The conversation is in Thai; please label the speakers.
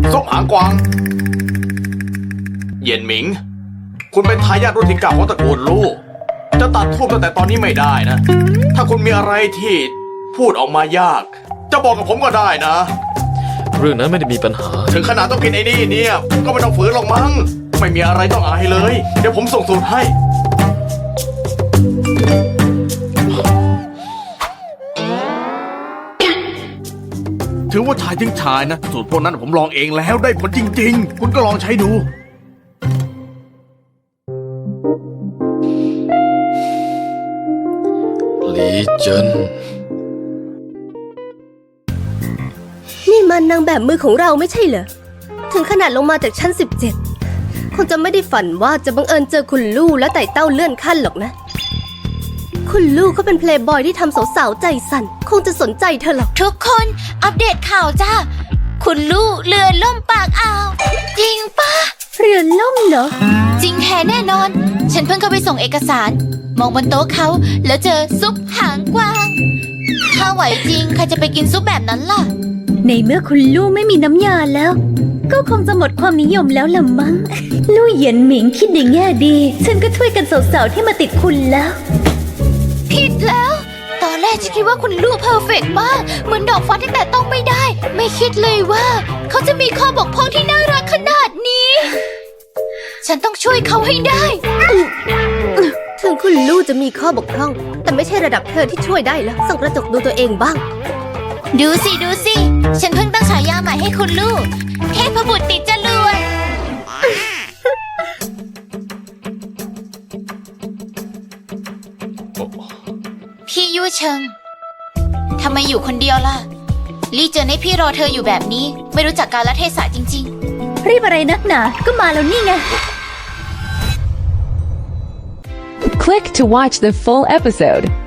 Speaker 1: ซุปหางกวางเย็นหมิงคุณเป็นทายาทรุ่นที่ 9ของตระกูลลู่จะตัดทูบตั้งแต่ตอนนี้ไม่ได้นะ ถ้าคุณมีอะไรที่พูดออกมายาก จะบอกกับผมก็ได้นะ
Speaker 2: เรื่องนั้นไม่ได้มีปัญหา
Speaker 1: ถึงขนาดต้องกินไอ้นี่เนี่ยก็ไม่ต้องฝืนหรอกมั้งไม่มีอะไรต้องอายเลย เดี๋ยวผมส่งสูตรให้ ถือว่าชายถึงชายนะสูตรพวกนั้นผมลองเองแล้วได้ผลจริงๆ คุณก็ลองใช้ดู
Speaker 2: ลีเจิน
Speaker 3: นี่มันนางแบบมือของเราไม่ใช่เหรอ ถึงขนาดลงมาจากชั้น 17 คงจะไม่ได้ฝันว่าจะบังเอิญเจอคุณลู่และไต่เต้าเลื่อนขั้นหรอกนะ คุณลู่เขาเป็นเพลย์บอยที่ทำสาวๆใจสั่น คงจะสนใจเธอหรอก
Speaker 4: ทุกคนอัปเดตข่าวจ้าคุณลู่เรือล่มปากอ่าว จริงปะ
Speaker 3: เรือล่มเหรอ
Speaker 4: จริงแท้แน่นอน ฉันเพิ่งเข้าไปส่งเอกสาร มองบนโต๊ะเขาแล้วเจอซุปหางกวาง ถ้าไหวจริงใครจะไปกินซุปแบบนั้นล่ะ
Speaker 5: ในเมื่อคุณลู่ไม่มีน้ำยาแล้ว ก็คงจะหมดความนิยมแล้วละมั้ง ลู่เหยียนหมิงคิดในแง่ดี ฉันก็ช่วยกันสาวๆที่มาติดคุณแล้ว
Speaker 4: ผิดแล้ว ตอนแรกฉันคิดว่าคุณลู่เพอร์เฟกต์มาก เหมือนดอกฟ้าที่แต่ต้องไม่ได้ ไม่คิดเลยว่า เขาจะมีข้อบกพร่องที่น่ารักขนาดนี้ ฉันต้องช่วยเขาให้ได้
Speaker 3: ถึงคุณลู่จะมีข้อบกพร่อง แต่ไม่ใช่ระดับเธอที่ช่วยได้แล้วส่องกระจกดูตัวเองบ้าง
Speaker 4: ดูสิดูสิ ฉันเพิ่งตั้งฉายาใหม่ให้คุณลูก เทพบุตรติดจรวดพี่ยู่เชิง ทำไมอยู่คนเดียวล่ะ ลี่เจอให้พี่รอเธออยู่แบบนี้ ไม่รู้จักกาลเทศะจริงๆ
Speaker 5: รีบอะไรนักหนา ก็มาแล้วนี่ไง
Speaker 6: Click to watch the full episode.